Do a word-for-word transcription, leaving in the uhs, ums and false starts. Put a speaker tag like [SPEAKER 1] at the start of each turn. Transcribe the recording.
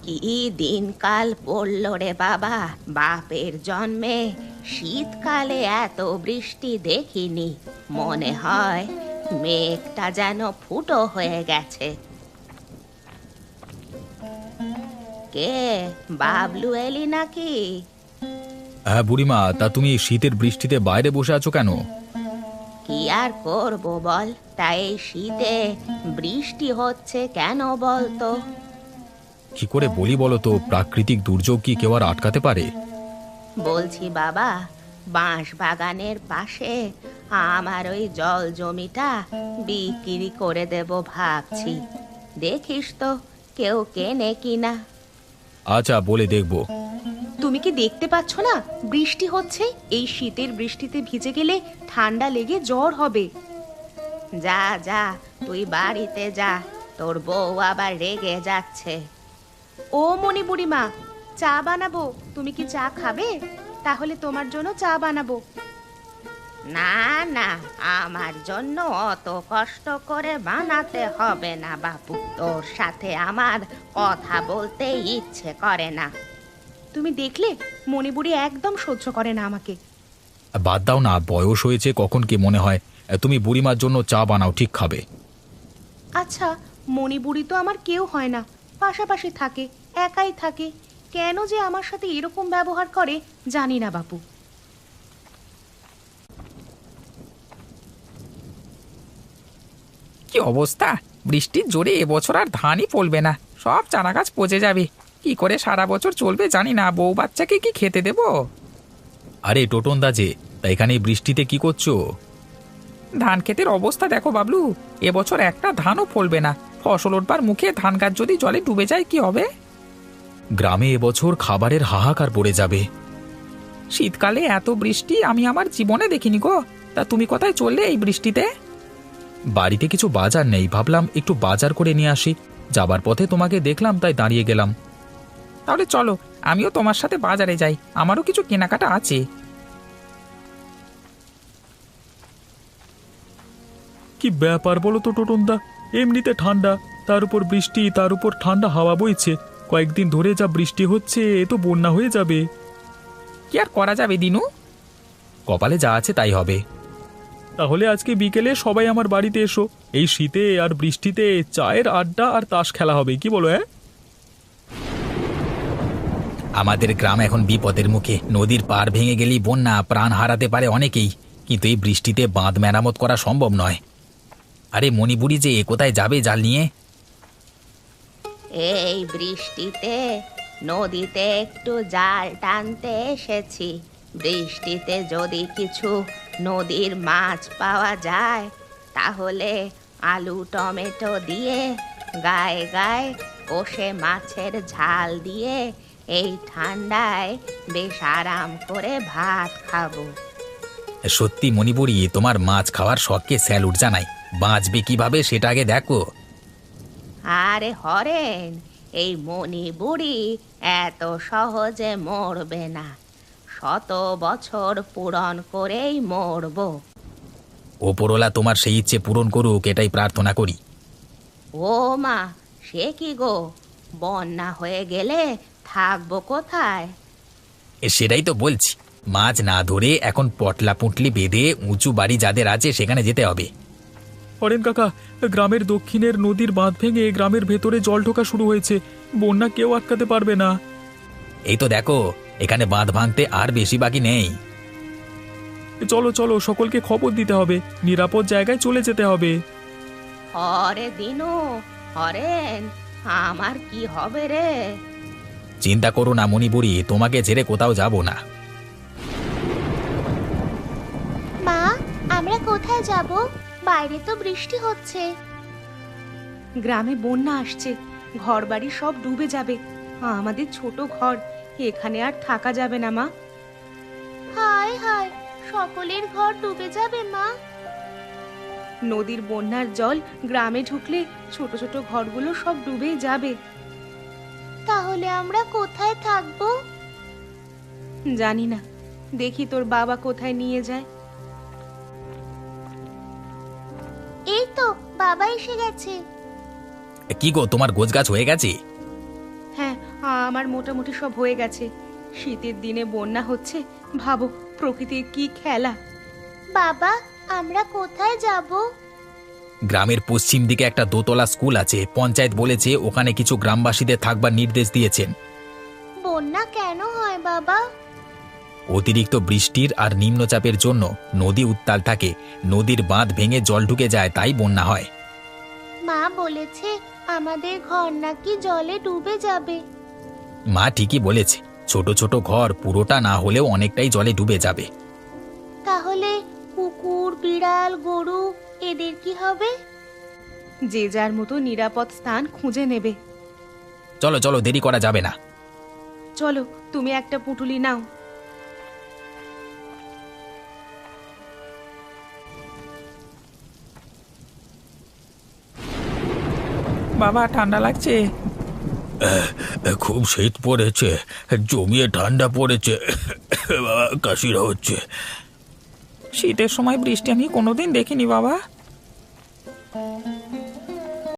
[SPEAKER 1] কি দিনকাল পড়ল রে বাবা, বাপের জন্মে শীতকালে এত বৃষ্টি দেখিনি। মনে হয় মেঘটা যেন ফুটো হয়ে গেছে। কে, বাবলু এলি নাকি?
[SPEAKER 2] হ্যাঁ বুড়িমা, তা তুমি এই শীতের বৃষ্টিতে বাইরে বসে আছো কেন?
[SPEAKER 1] কি আর করবো বল, তাই এই শীতে বৃষ্টি হচ্ছে কেন বলতো?
[SPEAKER 2] কি করে বলি বলো তো, প্রাকৃতিক দুর্যোগ কি কেউ আর আটকাতে পারে?
[SPEAKER 1] বলছি বাবা, বাঁশ বাগানের পাশে আমার ওই জল জমিটা বিক্রি করে দেব ভাবছি। দেখিস তো কেউ কেনে কিনা।
[SPEAKER 2] আচ্ছা, বলে দেখবো।
[SPEAKER 1] তুমি কি দেখতে পাচ্ছ না বৃষ্টি হচ্ছে? এই শীতের বৃষ্টিতে ভিজে গেলে ঠান্ডা লেগে জ্বর হবে। যা যা, তুই বাড়িতে যা, তোর বউ আবার রেগে যাচ্ছে। ও মনি বুড়িমা, চা বানাবো, তুমি কি চা খাবে? তাহলে তোমার জন্য চা বানাবো। না না, আমার জন্য অত কষ্ট করে বানাতে হবে না বাপু, তোর সাথে আমার কথা বলতে ইচ্ছে করে না। তুমি দেখলে মণিবুড়ি একদম সহ্য করে না আমাকে।
[SPEAKER 2] বাদ দাও না, বয়স হয়েছে, কখন কি মনে হয় তুমি বুড়িমার জন্য চা বানাও, ঠিক খাবে।
[SPEAKER 1] আচ্ছা, মণিবুড়ি তো আমার কেউ হয় না, পাশাপাশি থাকে, একাই থাকে, কেন যে আমার সাথে এরকম ব্যবহার করে জানি না বাপু।
[SPEAKER 3] কি অবস্থা! বৃষ্টির জোরে এবছর আর ধানই ফলবে না, সব চারা গাছ পচে যাবে। কি করে সারা বছর চলবে জানি না, বউ বাচ্চাকে কি খেতে দেব?
[SPEAKER 2] আরে টোটন দা যে, তা এখানে এই বৃষ্টিতে কি করছো?
[SPEAKER 3] ধান ক্ষেতের অবস্থা দেখো বাবলু, এবছর একটা ধানও ফলবে না। ফসল উঠবার মুখে ধান গাছ যদি জলে ডুবে যায় কি হবে?
[SPEAKER 2] গ্রামে এবছর খাবারের হাহাকার পড়ে যাবে।
[SPEAKER 3] শীতকালে এত বৃষ্টি আমি আমার জীবনে দেখিনি গো। তা তুমি কোথায় চললে এই বৃষ্টিতে?
[SPEAKER 2] বাড়িতে কিছু বাজার নেই, ভাবলাম একটু বাজার করে নিয়ে আসি। যাবার পথে তোমাকে দেখলাম, তাই দাঁড়িয়ে গেলাম।
[SPEAKER 3] তাহলে চলো, আমিও তোমার সাথে বাজারে যাই, আমারও কিছু কেনাকাটা আছে।
[SPEAKER 2] কি ব্যাপার বলো তো টোটন দা, এমনিতে ঠান্ডা, তার উপর বৃষ্টি, তার উপর ঠান্ডা হাওয়া বইছে। কয়েকদিন ধরে যা বৃষ্টি হচ্ছে, এ তো বন্যা হয়ে যাবে।
[SPEAKER 3] কি আর করা যাবে দিনু,
[SPEAKER 2] কপালে যা আছে তাই হবে। তাহলে আজকে বিকেলে সবাই আমার বাড়িতে এসো, এই শীতে আর বৃষ্টিতে চায়ের আড্ডা আর তাস খেলা হবে, কি বলো? হ্যাঁ,
[SPEAKER 3] আমাদের গ্রাম এখন বিপদের মুখে। নদীর পাড় ভেঙে গেলেই বন্যা, প্রাণ হারাতে পারে অনেকেই। কিন্তু এই বৃষ্টিতে বাঁধ মেরামত করা সম্ভব নয়। আরে মণিপুরি যে কোথায় যাবে জাল নিয়ে?
[SPEAKER 1] এই বৃষ্টিতে নদীতে একটু জাল টানতে এসেছি। বৃষ্টিতে যদি কিছু নদীর মাছ পাওয়া যায় তাহলে আলু টমেটো দিয়ে গায়ে গায়ে কষে মাছের ঝাল দিয়ে এই ঠান্ডায় বেশ আরাম করে ভাত খাবো।
[SPEAKER 3] সত্যি মণিপুরি, তোমার মাছ খাওয়ার শখকে স্যালুট জানাই। বাঁচবে কিভাবে সেটা আগে দেখো।
[SPEAKER 1] আরে হরেন, এই মণি বুড়ি এত সহজে মরবে না, শত বছর পূরণ করেই মরবো।
[SPEAKER 3] ওপরওয়ালা তোমার সেই ইচ্ছে পূরণ করুক, এটাই প্রার্থনা করি।
[SPEAKER 1] ও মা, সে কি গো, বন্যা হয়ে গেলে থাকবো কোথায়?
[SPEAKER 3] এ সেটাই তো বলছি, মাছ না ধরে এখন পটলা পুঁটলি বেঁধে উঁচু বাড়ি যাদের আছে সেখানে যেতে হবে।
[SPEAKER 2] হরেন কাকা, গ্রামের দক্ষিণের নদীর বাঁধ ভেঙে গ্রামের ভেতরে জল ঢোকা শুরু হয়েছে, বন্যা কেউ আটকাতে পারবে না।
[SPEAKER 3] এই তো দেখো, এখানে বাঁধ ভাঙতে আর বেশি বাকি নেই।
[SPEAKER 2] চলো চলো, সকলকে খবর দিতে হবে, নিরাপদ জায়গায় চলে যেতে হবে।
[SPEAKER 1] হরে দিনু, হরেন, আমার কি হবে রে?
[SPEAKER 3] চিন্তা করো না মণিপুরি, তোমাকে ছেড়ে কোথাও যাব না।
[SPEAKER 4] মা, আমরা কোথায় যাব? বাইরে তো বৃষ্টি হচ্ছে।
[SPEAKER 1] গ্রামে বন্যা আসছে, ঘরবাড়ি সব ডুবে যাবে। আমাদের ছোট ঘর, এখানে আর থাকা যাবে না মা।
[SPEAKER 4] হায় হায়, সকলের ঘর ডুবে যাবে মা।
[SPEAKER 1] নদীর বন্যার জল গ্রামে ঢুকলে ছোট ছোট ঘরগুলো সব ডুবেই যাবে।
[SPEAKER 4] তাহলে আমরা কোথায় থাকবো?
[SPEAKER 1] জানি না, দেখি তোর বাবা কোথায় নিয়ে যায়।
[SPEAKER 4] এই তো বাবা এসে গেছে।
[SPEAKER 3] কি গো, তোমার গোছগাছ হয়ে গেছে?
[SPEAKER 1] হ্যাঁ, আমার মোটামুটি সব হয়ে গেছে। শীতের দিনে বন্যা হচ্ছে, ভাবো প্রকৃতির কি খেলা।
[SPEAKER 4] বাবা, আমরা কোথায় যাব?
[SPEAKER 3] গ্রামের পশ্চিম দিকে একটা দোতলা স্কুল আছে, পঞ্চায়েত বলেছে ওখানে কিছু গ্রামবাসীদের থাকবার নির্দেশ দিয়েছেন।
[SPEAKER 4] বন্যা কেন হয় বাবা?
[SPEAKER 3] অতিরিক্ত বৃষ্টির আর নিম্নচাপের জন্য নদী উত্তাল থাকে, নদীর বাঁধ ভেঙে জল ঢুকে যায়, তাই বন্যা হয়।
[SPEAKER 4] মা বলেছে আমাদের ঘর নাকি জলে ডুবে যাবে।
[SPEAKER 3] মা ঠিকই বলেছে, ছোট ছোট ঘর পুরোটা না হলেও অনেকটাই জলে ডুবে যাবে।
[SPEAKER 4] তাহলে কুকুর, বিড়াল, গরু এদের কি হবে?
[SPEAKER 1] যে যার মতো নিরাপদ স্থান খুঁজে নেবে।
[SPEAKER 3] চলো চলো, দেরি করা যাবে না।
[SPEAKER 1] চলো, তুমি একটা পুঁটুলি নাও।
[SPEAKER 2] বাবা ঠান্ডা লাগছে।
[SPEAKER 3] খুব শীত পড়েছে, জমিয়ে ঠান্ডা পড়েছে, কাশিরা হচ্ছে।
[SPEAKER 2] শীতের সময় বৃষ্টি আমি কোনোদিন দেখিনি বাবা।